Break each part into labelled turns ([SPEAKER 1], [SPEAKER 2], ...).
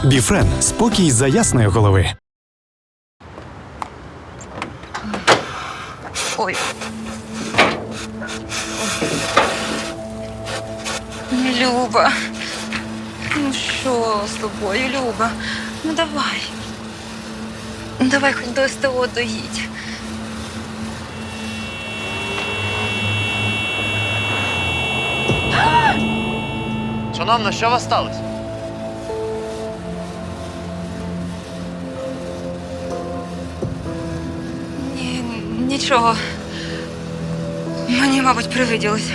[SPEAKER 1] Біфрен – спокій за ясної голови.
[SPEAKER 2] Ой. Люба. Ну що з тобою, Люба? Ну давай. Давай хоч до СТО доїдь.
[SPEAKER 3] Шановна, що у вас сталося?
[SPEAKER 2] Нічого. Мені, мабуть, привиділося.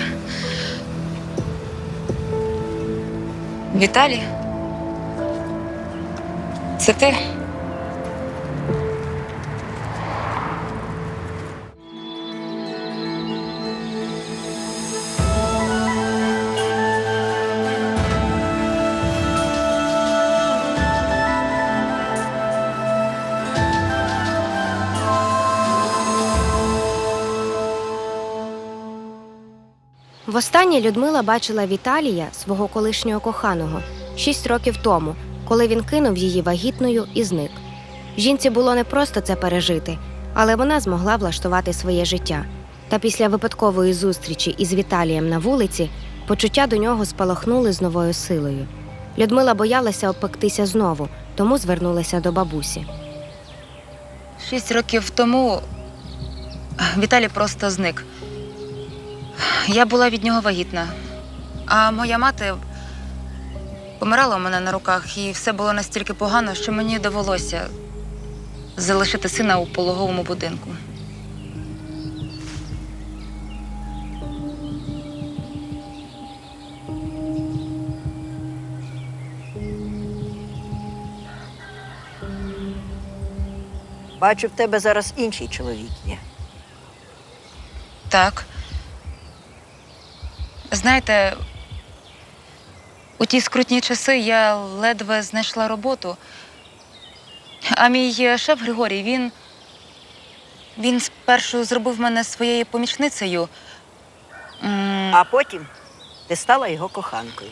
[SPEAKER 2] Віталій? Це ти?
[SPEAKER 4] Востаннє Людмила бачила Віталія, свого колишнього коханого, 6 років тому, коли він кинув її вагітною і зник. Жінці було непросто це пережити, але вона змогла влаштувати своє життя. Та після випадкової зустрічі із Віталієм на вулиці почуття до нього спалахнули з новою силою. Людмила боялася обпектися знову, тому звернулася до бабусі.
[SPEAKER 2] 6 років тому Віталій просто зник. Я була від нього вагітна, а моя мати помирала у мене на руках, і все було настільки погано, що мені довелося залишити сина у пологовому будинку.
[SPEAKER 5] Бачу, в тебе зараз інший чоловік є.
[SPEAKER 2] Так. Знаєте, у ті скрутні часи я ледве знайшла роботу. А мій шеф Григорій, він спершу зробив мене своєю помічницею.
[SPEAKER 5] А потім ти стала його коханкою.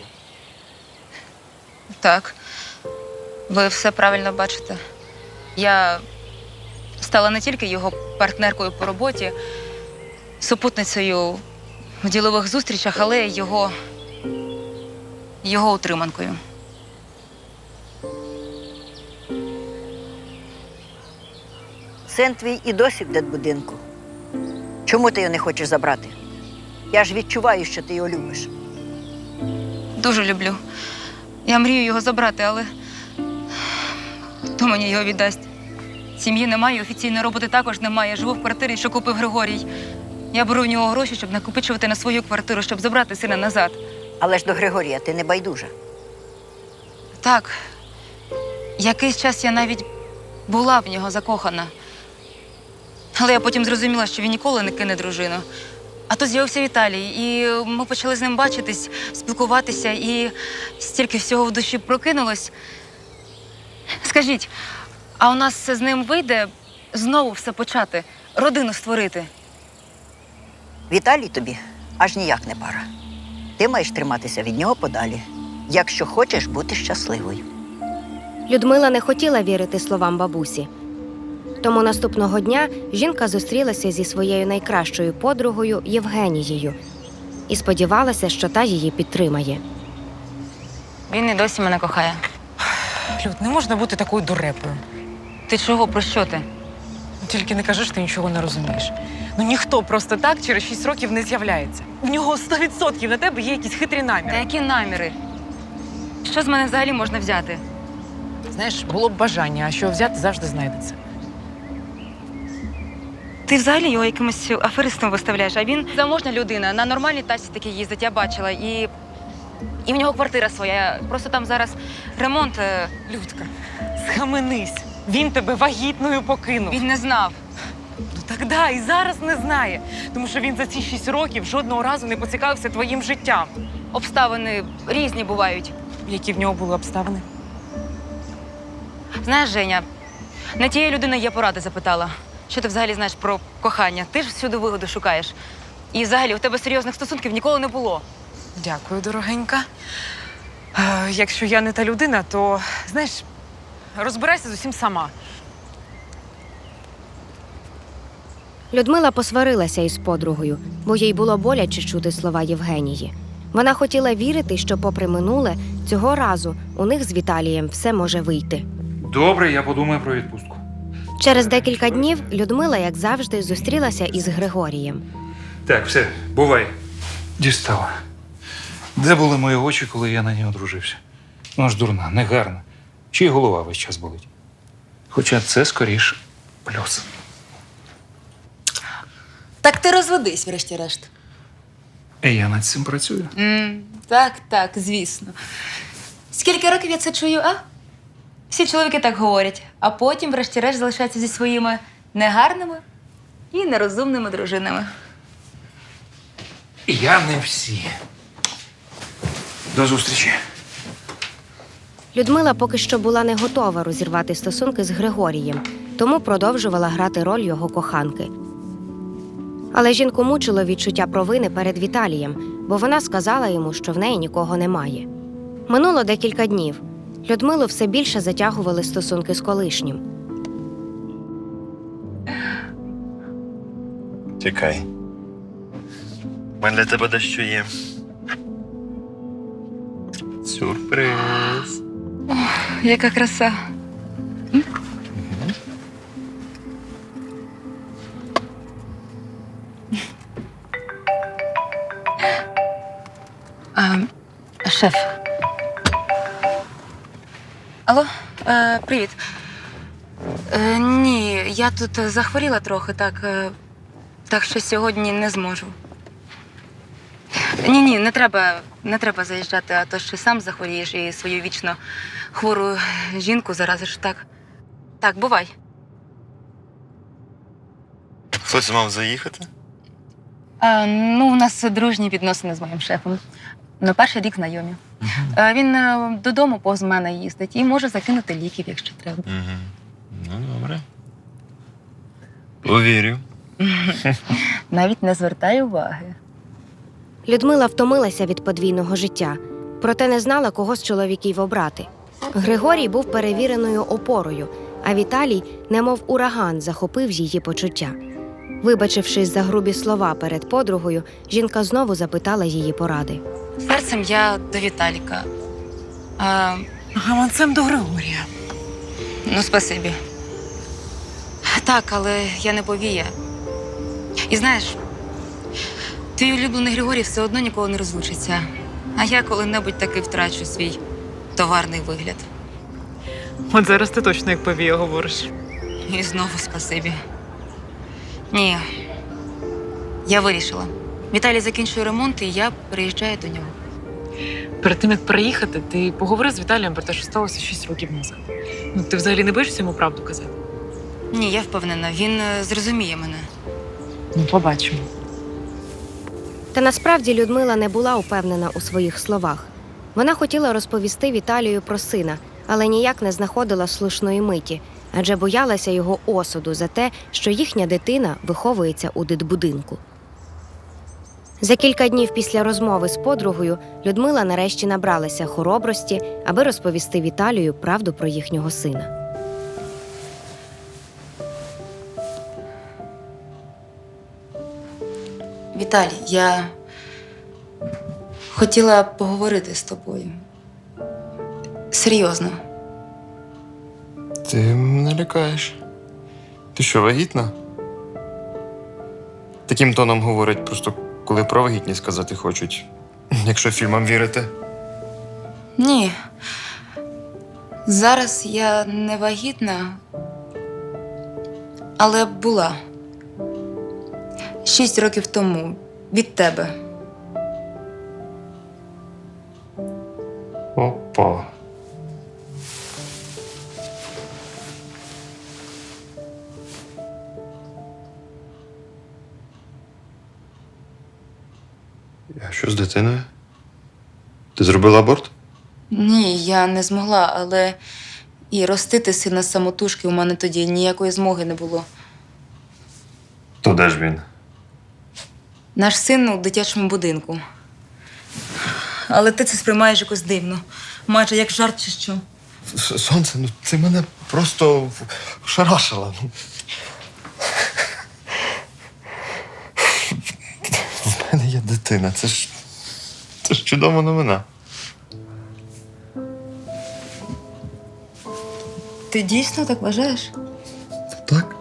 [SPEAKER 2] Так, ви все правильно бачите. Я стала не тільки його партнеркою по роботі, супутницею в ділових зустрічах, але й його утриманкою.
[SPEAKER 5] Син твій і досі в дитбудинку. Чому ти його не хочеш забрати? Я ж відчуваю, що ти його любиш.
[SPEAKER 2] Дуже люблю. Я мрію його забрати, але хто мені його віддасть? Сім'ї немає, офіційної роботи також немає. Живу в квартирі, що купив Григорій. Я беру в нього гроші, щоб накопичувати на свою квартиру, щоб забрати сина назад.
[SPEAKER 5] Але ж до Григорія ти не байдужа.
[SPEAKER 2] Так, якийсь час я навіть була в нього закохана. Але я потім зрозуміла, що він ніколи не кине дружину. А тут з'явився Віталій, і ми почали з ним бачитись, спілкуватися, і стільки всього в душі прокинулось. Скажіть, а у нас з ним вийде знову все почати, родину створити?
[SPEAKER 5] Віталій тобі аж ніяк не пара. Ти маєш триматися від нього подалі, якщо хочеш бути щасливою.
[SPEAKER 4] Людмила не хотіла вірити словам бабусі. Тому наступного дня жінка зустрілася зі своєю найкращою подругою Євгенією і сподівалася, що та її підтримає.
[SPEAKER 2] Він і досі мене кохає.
[SPEAKER 6] Люд, не можна бути такою дурепою.
[SPEAKER 2] Ти чого? Про що ти?
[SPEAKER 6] Тільки не кажи, що ти нічого не розумієш. Ну ніхто просто так через 6 років не з'являється. В нього 100% на тебе є якісь хитрі
[SPEAKER 2] Та
[SPEAKER 6] наміри.
[SPEAKER 2] які наміри? Що з мене взагалі можна взяти?
[SPEAKER 6] Знаєш, було б бажання, а що взяти завжди знайдеться.
[SPEAKER 2] Ти взагалі його якимось аферистом виставляєш, а він заможна людина, на нормальній тачці таки їздить, я бачила. І в нього квартира своя. Просто там зараз ремонт.
[SPEAKER 6] Людка, схаменись. Він тебе вагітною покинув.
[SPEAKER 2] Він не знав.
[SPEAKER 6] Ну так да, і зараз не знає. Тому що він за ці 6 років жодного разу не поцікавився твоїм життям.
[SPEAKER 2] Обставини різні бувають.
[SPEAKER 6] Які в нього були обставини?
[SPEAKER 2] Знаєш, Женя, не тієї людини я поради запитала. Що ти взагалі знаєш про кохання? Ти ж всюди вигоду шукаєш. І взагалі у тебе серйозних стосунків ніколи не було.
[SPEAKER 6] Дякую, дорогенька. Якщо я не та людина, то, знаєш, розбирайся з усім сама.
[SPEAKER 4] Людмила посварилася із подругою, бо їй було боляче чути слова Євгенії. Вона хотіла вірити, що, попри минуле, цього разу у них з Віталієм все може вийти.
[SPEAKER 7] Добре, я подумаю про відпустку.
[SPEAKER 4] Через декілька днів Людмила, як завжди, зустрілася із Григорієм.
[SPEAKER 7] Так, все, бувай. Дістала. Де були мої очі, коли я на ній одружився? Ну ж дурна, негарна. Чи й голова весь час болить? Хоча це скоріш плюс.
[SPEAKER 2] Так ти розведись, врешті-решт.
[SPEAKER 7] І я над цим працюю.
[SPEAKER 2] Так, звісно. Скільки років я це чую, а? Всі чоловіки так говорять, а потім, врешті-решт, залишаються зі своїми негарними і нерозумними дружинами.
[SPEAKER 7] Я не всі. До зустрічі.
[SPEAKER 4] Людмила поки що була не готова розірвати стосунки з Григорієм, тому продовжувала грати роль його коханки. Але жінку мучило відчуття провини перед Віталієм, бо вона сказала йому, що в неї нікого немає. Минуло декілька днів. Людмилу все більше затягували стосунки з колишнім.
[SPEAKER 3] Чекай. У мене для тебе дещо є. Сюрприз.
[SPEAKER 2] Яка краса. Шеф. Алло, привіт. Ні, я тут захворіла трохи, так що сьогодні не зможу. Ні, не треба заїжджати, а то ще сам захворієш і свою вічно хвору жінку заразиш. Так, бувай.
[SPEAKER 3] Хтось мав заїхати?
[SPEAKER 2] У нас дружні відносини з моїм шефом. Перший рік знайомі. Він додому повз мене їздить і може закинути ліків, якщо треба.
[SPEAKER 3] Угу. Ну, добре. Повірю.
[SPEAKER 2] Навіть не звертай уваги.
[SPEAKER 4] Людмила втомилася від подвійного життя, проте не знала, кого з чоловіків обрати. Григорій був перевіреною опорою, а Віталій, немов ураган, захопив її почуття. Вибачившись за грубі слова перед подругою, жінка знову запитала її поради.
[SPEAKER 2] Серцем я до Віталіка.
[SPEAKER 6] Гаманцем до Григорія.
[SPEAKER 2] Спасибі. Так, але я не повія. І знаєш, твій улюблений Григорій все одно ніколи не розлучиться. А я коли-небудь таки втрачу свій товарний вигляд.
[SPEAKER 6] От зараз ти точно як повія говориш.
[SPEAKER 2] І знову спасибі. Ні, я вирішила. Віталій закінчує ремонт, і я переїжджаю до нього.
[SPEAKER 6] Перед тим, як переїхати, ти поговори з Віталієм про те, що сталося 6 років назад. Ти взагалі не боїшся йому правду казати?
[SPEAKER 2] Ні, я впевнена, він зрозуміє мене.
[SPEAKER 6] Побачимо.
[SPEAKER 4] Та насправді Людмила не була упевнена у своїх словах. Вона хотіла розповісти Віталію про сина, але ніяк не знаходила слушної миті, адже боялася його осуду за те, що їхня дитина виховується у дитбудинку. За кілька днів після розмови з подругою Людмила нарешті набралася хоробрості, аби розповісти Віталію правду про їхнього сина.
[SPEAKER 2] Віталій, я хотіла поговорити з тобою. Серйозно.
[SPEAKER 8] Ти мене лякаєш. Ти що, вагітна? Таким тоном говорять просто, коли про вагітність сказати хочуть. Якщо фільмам вірити.
[SPEAKER 2] Ні. Зараз я не вагітна, але була. 6 років тому. Від тебе.
[SPEAKER 8] Опа.
[SPEAKER 3] А що з дитиною? Ти зробила аборт?
[SPEAKER 2] Ні, я не змогла, але і ростити сина самотужки у мене тоді ніякої змоги не було.
[SPEAKER 3] То де ж він?
[SPEAKER 2] Наш син у дитячому будинку. Але ти це сприймаєш якось дивно. Майже як жарт чи що.
[SPEAKER 8] Сонце, ну ти мене просто шарашила. У мене є дитина. Це ж чудова новина.
[SPEAKER 2] Ти дійсно так вважаєш?
[SPEAKER 8] Так?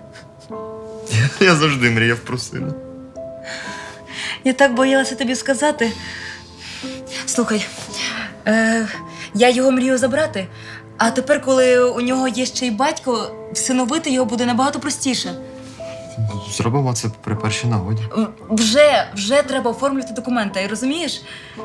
[SPEAKER 8] Я завжди мріяв про сина.
[SPEAKER 2] Я так боялася тобі сказати. Слухай, я його мрію забрати, а тепер, коли у нього є ще й батько, всиновити його буде набагато простіше.
[SPEAKER 8] Зробимо це при першій нагоді.
[SPEAKER 2] Вже треба оформлювати документи, розумієш?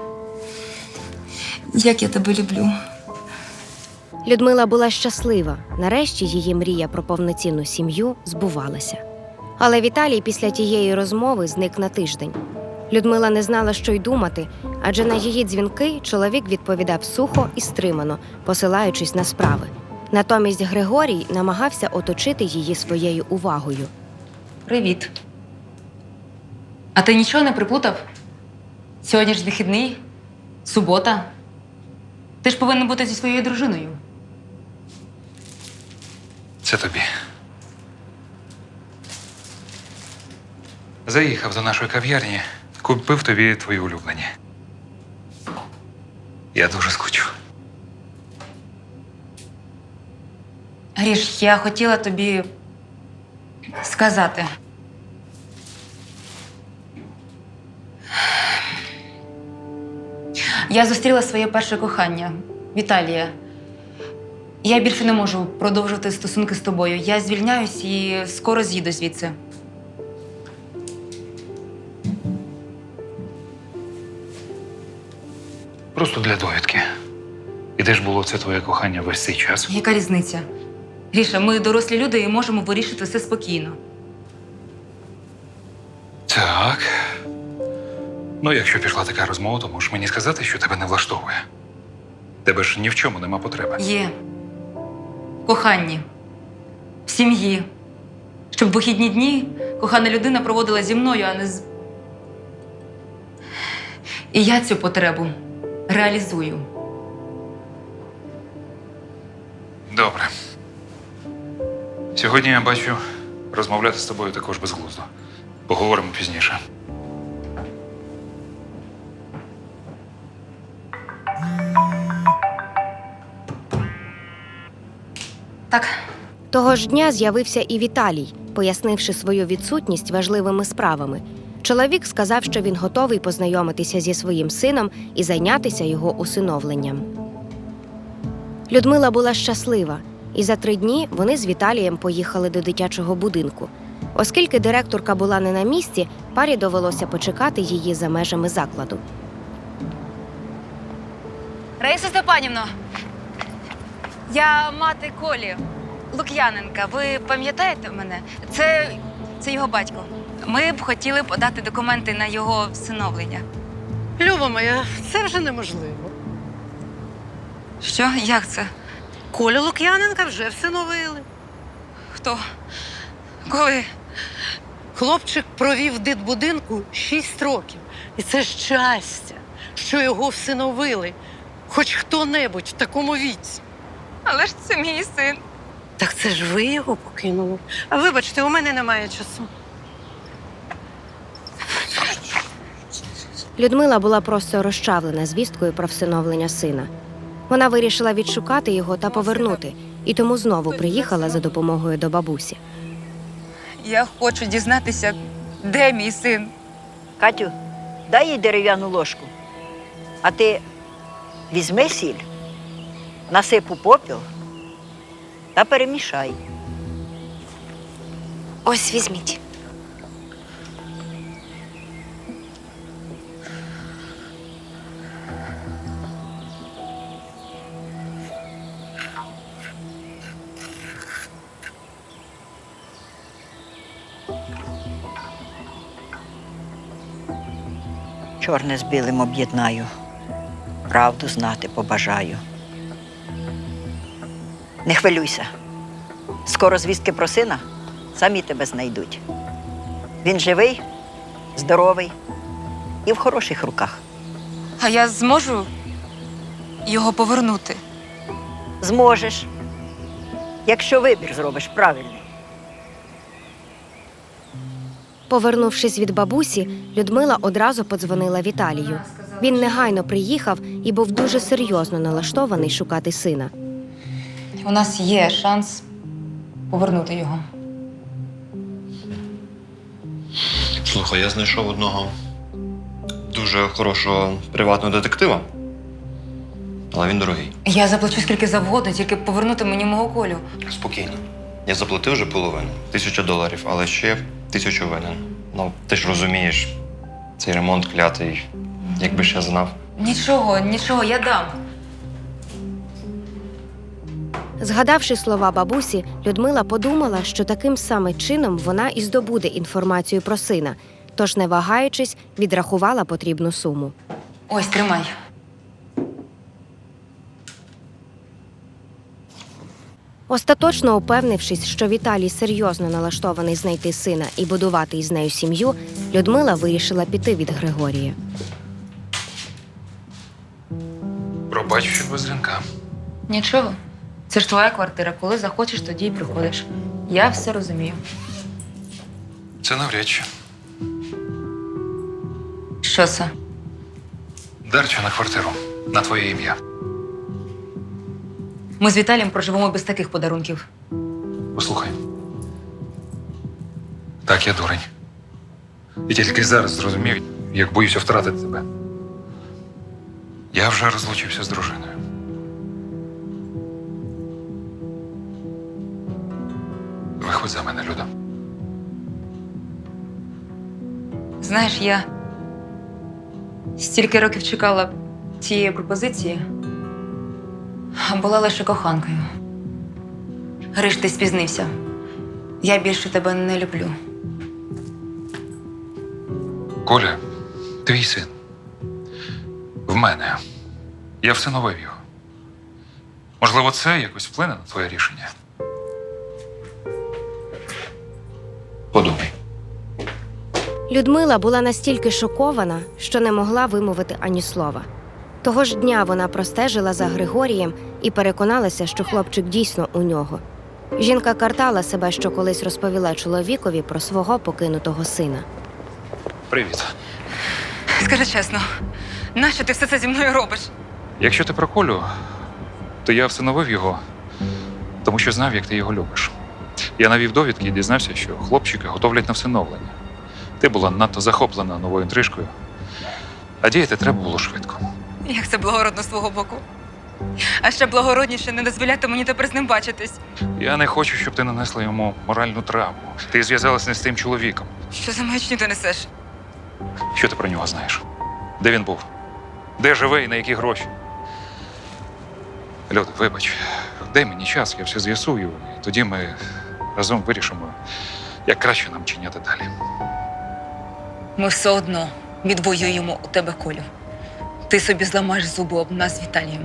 [SPEAKER 2] Як я тебе люблю.
[SPEAKER 4] Людмила була щаслива. Нарешті її мрія про повноцінну сім'ю збувалася. Але Віталій після тієї розмови зник на тиждень. Людмила не знала, що й думати, адже на її дзвінки чоловік відповідав сухо і стримано, посилаючись на справи. Натомість Григорій намагався оточити її своєю увагою.
[SPEAKER 2] Привіт. А ти нічого не приплутав? Сьогодні ж вихідний, субота. Ти ж повинен бути зі своєю дружиною.
[SPEAKER 7] Це тобі. Заїхав до нашої кав'ярні, купив тобі твої улюблені. Я дуже скучу.
[SPEAKER 2] Гріш, я хотіла тобі сказати. Я зустріла своє перше кохання, Віталія. Я більше не можу продовжувати стосунки з тобою. Я звільняюсь і скоро з'їду звідси.
[SPEAKER 7] Просто для довідки. І де ж було це твоє кохання весь цей час?
[SPEAKER 2] Яка різниця? Гріша, ми дорослі люди і можемо вирішити все спокійно.
[SPEAKER 7] Так. Ну, якщо пішла така розмова, то можеш мені сказати, що тебе не влаштовує. Тебе ж ні в чому нема потреби.
[SPEAKER 2] Є. В коханні. В сім'ї. Щоб вихідні дні кохана людина проводила зі мною, а не з... І я цю потребу реалізую.
[SPEAKER 7] Добре. Сьогодні я бачу, розмовляти з тобою також безглуздо. Поговоримо пізніше.
[SPEAKER 2] Так.
[SPEAKER 4] Того ж дня з'явився і Віталій, пояснивши свою відсутність важливими справами. Чоловік сказав, що він готовий познайомитися зі своїм сином і зайнятися його усиновленням. Людмила була щаслива, і за 3 дні вони з Віталієм поїхали до дитячого будинку. Оскільки директорка була не на місці, парі довелося почекати її за межами закладу.
[SPEAKER 2] Раїса Степанівно, я мати Колі Лук'яненка. Ви пам'ятаєте мене? Це його батько. Ми б хотіли подати документи на його всиновлення.
[SPEAKER 9] Люба моя, це вже неможливо.
[SPEAKER 2] Що? Як це?
[SPEAKER 9] Колю Лук'яненка вже всиновили.
[SPEAKER 2] Хто? Коли?
[SPEAKER 9] Хлопчик провів в дитбудинку 6 років. І це щастя, що його всиновили. Хоч хто-небудь в такому віці.
[SPEAKER 2] Але ж це мій син.
[SPEAKER 9] Так це ж ви його покинули. А вибачте, у мене немає часу.
[SPEAKER 4] Людмила була просто розчавлена звісткою про всиновлення сина. Вона вирішила відшукати його та повернути, і тому знову приїхала за допомогою до бабусі.
[SPEAKER 2] Я хочу дізнатися, де мій син.
[SPEAKER 5] Катю, дай їй дерев'яну ложку. А ти візьми сіль, насип у попіл та перемішай.
[SPEAKER 4] Ось візьміть.
[SPEAKER 5] Чорне з білим об'єднаю, правду знати побажаю. Не хвилюйся. Скоро звістки про сина самі тебе знайдуть. Він живий, здоровий і в хороших руках.
[SPEAKER 2] А я зможу його повернути?
[SPEAKER 5] Зможеш, якщо вибір зробиш правильний.
[SPEAKER 4] Повернувшись від бабусі, Людмила одразу подзвонила Віталію. Він негайно приїхав і був дуже серйозно налаштований шукати сина.
[SPEAKER 2] У нас є шанс повернути його.
[SPEAKER 8] Слухай, я знайшов одного дуже хорошого приватного детектива, але він дорогий.
[SPEAKER 2] Я заплачу скільки завгодно, тільки повернути мені мого Колю.
[SPEAKER 8] Спокійно. Я заплатив вже половину, $1000, але ще 1000 винен. Ну, ти ж розумієш, цей ремонт клятий, якби ж я знав.
[SPEAKER 2] Нічого, я дам.
[SPEAKER 4] Згадавши слова бабусі, Людмила подумала, що таким саме чином вона і здобуде інформацію про сина, тож, не вагаючись, відрахувала потрібну суму.
[SPEAKER 2] Ось, тримай.
[SPEAKER 4] Остаточно упевнившись, що Віталій серйозно налаштований знайти сина і будувати із нею сім'ю, Людмила вирішила піти від Григорія.
[SPEAKER 7] Пробач, що без дзвінка.
[SPEAKER 2] Нічого. Це ж твоя квартира. Коли захочеш, тоді й приходиш. Я все розумію.
[SPEAKER 7] Це навряд чи.
[SPEAKER 2] Що це?
[SPEAKER 7] Дарча на квартиру. На твоє ім'я.
[SPEAKER 2] Ми з Віталієм проживемо без таких подарунків.
[SPEAKER 7] Послухай. Так, я дурень. І тільки зараз зрозумів, як боюся втратити тебе. Я вже розлучився з дружиною. Виходь за мене, Люда.
[SPEAKER 2] Знаєш, я стільки років чекала цієї пропозиції, а була лише коханкою. Гриш, ти спізнився. Я більше тебе не люблю.
[SPEAKER 7] Коля, твій син. В мене. Я всиновив його. Можливо, це якось вплине на твоє рішення? Подумай.
[SPEAKER 4] Людмила була настільки шокована, що не могла вимовити ані слова. Того ж дня вона простежила за Григорієм і переконалася, що хлопчик дійсно у нього. Жінка картала себе, що колись розповіла чоловікові про свого покинутого сина.
[SPEAKER 7] Привіт.
[SPEAKER 2] Скажи чесно, нащо ти все це зі мною робиш?
[SPEAKER 7] Якщо ти про Колю, то я всиновив його, тому що знав, як ти його любиш. Я навів довідки і дізнався, що хлопчика готовлять на всиновлення. Ти була надто захоплена новою інтрижкою, а діяти треба було швидко.
[SPEAKER 2] Як це благородно з твого боку. А ще благородніше не дозволяти мені тепер з ним бачитись.
[SPEAKER 7] Я не хочу, щоб ти нанесла йому моральну травму. Ти зв'язалася не з тим чоловіком.
[SPEAKER 2] Що за маячню ти несеш?
[SPEAKER 7] Що ти про нього знаєш? Де він був? Де живе і на які гроші? Люда, вибач, дай мені час, я все з'ясую, і тоді ми разом вирішимо, як краще нам чиняти далі.
[SPEAKER 2] Ми все одно відвоюємо у тебе Колю. Ти собі зламаєш зуби об нас з Віталієм.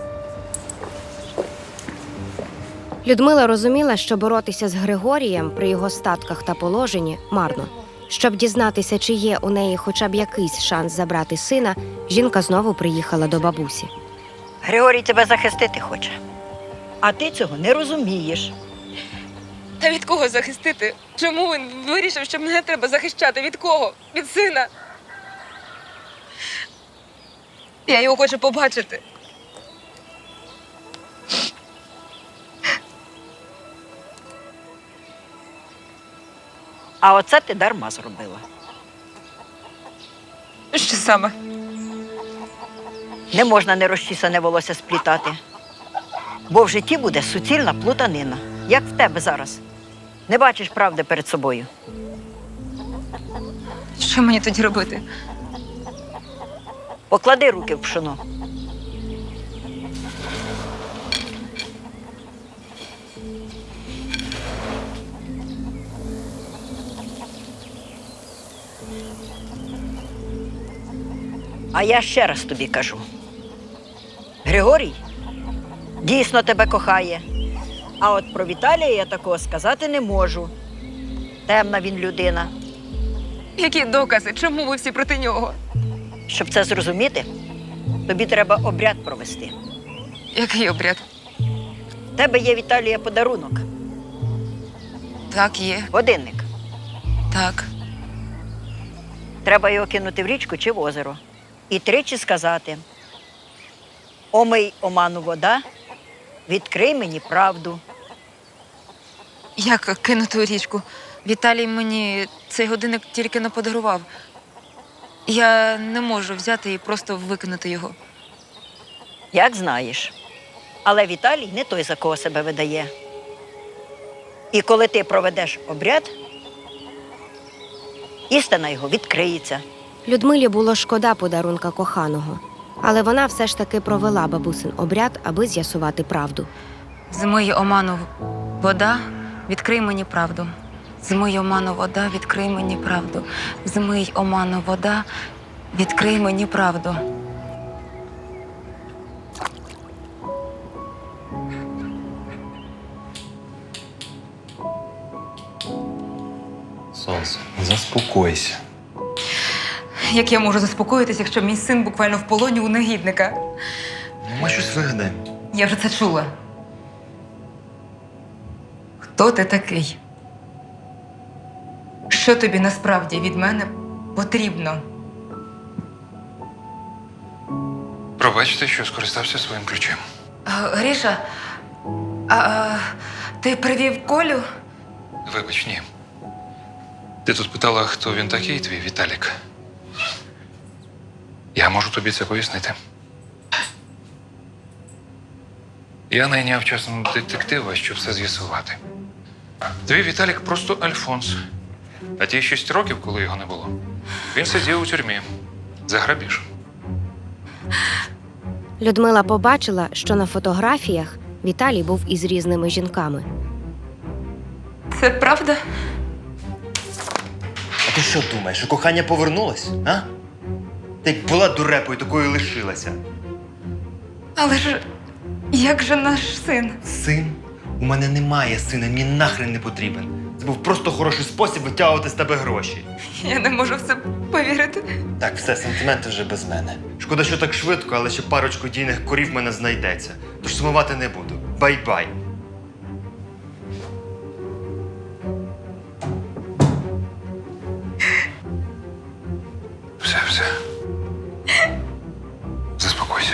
[SPEAKER 4] Людмила розуміла, що боротися з Григорієм при його статках та положенні марно. Щоб дізнатися, чи є у неї хоча б якийсь шанс забрати сина, жінка знову приїхала до бабусі.
[SPEAKER 5] Григорій тебе захистити хоче. А ти цього не розумієш.
[SPEAKER 2] Та від кого захистити? Чому він вирішив, що мене треба захищати? Від кого? Від сина? Я його хочу побачити.
[SPEAKER 5] А оце ти дарма зробила.
[SPEAKER 2] Що саме?
[SPEAKER 5] Не можна нерозчісане волосся сплітати. Бо в житті буде суцільна плутанина, як в тебе зараз. Не бачиш правди перед собою.
[SPEAKER 2] Що мені тоді робити?
[SPEAKER 5] Поклади руки в пшоно. А я ще раз тобі кажу. Григорій дійсно тебе кохає. А от про Віталія я такого сказати не можу. Темна він людина.
[SPEAKER 2] Які докази? Чому ви всі проти нього?
[SPEAKER 5] Щоб це зрозуміти, тобі треба обряд провести.
[SPEAKER 2] Який обряд?
[SPEAKER 5] В тебе є Віталія подарунок.
[SPEAKER 2] Так, є.
[SPEAKER 5] Годинник.
[SPEAKER 2] Так.
[SPEAKER 5] Треба його кинути в річку чи в озеро. І тричі сказати: «Омий оману вода, відкрий мені правду».
[SPEAKER 2] Як кинути у річку? Віталій мені цей годинник тільки не подарував. Я не можу взяти і просто викинути його.
[SPEAKER 5] Як знаєш. Але Віталій не той, за кого себе видає. І коли ти проведеш обряд, істина його відкриється.
[SPEAKER 4] Людмилі було шкода подарунка коханого, але вона все ж таки провела бабусин обряд, аби з'ясувати правду.
[SPEAKER 2] Змий оману вода, відкрий мені правду. Змий оману вода, відкрий мені правду. Змий оману вода, відкрий мені правду.
[SPEAKER 3] Сонце, заспокойся.
[SPEAKER 2] Як я можу заспокоїтися, якщо мій син буквально в полоні у негідника?
[SPEAKER 3] Ну, ми щось вигадаємо.
[SPEAKER 2] Я вже це чула. Хто ти такий? Що тобі насправді від мене потрібно?
[SPEAKER 7] Пробачте, що скористався своїм ключем.
[SPEAKER 2] Гріша, ти привів Колю?
[SPEAKER 7] Вибач, ні. Ти тут питала, хто він такий, твій Віталік. Я можу тобі це пояснити. Я найняв часом детектива, щоб все з'ясувати. Твій Віталік просто Альфонс. А ті 6 років, коли його не було, він сидів у тюрмі за грабіж.
[SPEAKER 4] Людмила побачила, що на фотографіях Віталій був із різними жінками.
[SPEAKER 2] Це правда?
[SPEAKER 10] А ти що думаєш, що кохання повернулось, а? Ти як була дурепою, такою лишилася.
[SPEAKER 2] Але ж як же наш син?
[SPEAKER 10] Син? У мене немає сина, мені нахрен не потрібен. Це був просто хороший спосіб витягувати з тебе гроші.
[SPEAKER 2] Я не можу в це повірити.
[SPEAKER 10] Так, все, сантименти вже без мене. Шкода, що так швидко, але ще парочку дійних корів в мене знайдеться. Тож сумувати не буду. Бай-бай.
[SPEAKER 7] Все. Заспокойся.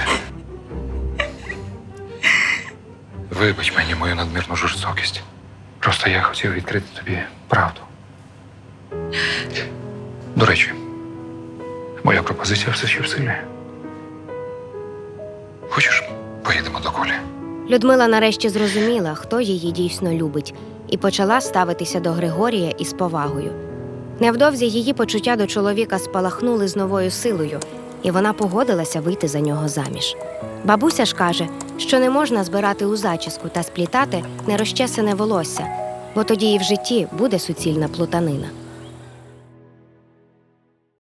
[SPEAKER 7] Вибач мені мою надмірну жорстокість. Просто я хотів відкрити тобі правду. До речі, моя пропозиція все ще в силі. Хочеш, поїдемо до Колі?
[SPEAKER 4] Людмила нарешті зрозуміла, хто її дійсно любить, і почала ставитися до Григорія із повагою. Невдовзі її почуття до чоловіка спалахнули з новою силою, і вона погодилася вийти за нього заміж. Бабуся ж каже, що не можна збирати у зачіску та сплітати нерозчесане волосся, бо тоді і в житті буде суцільна плутанина.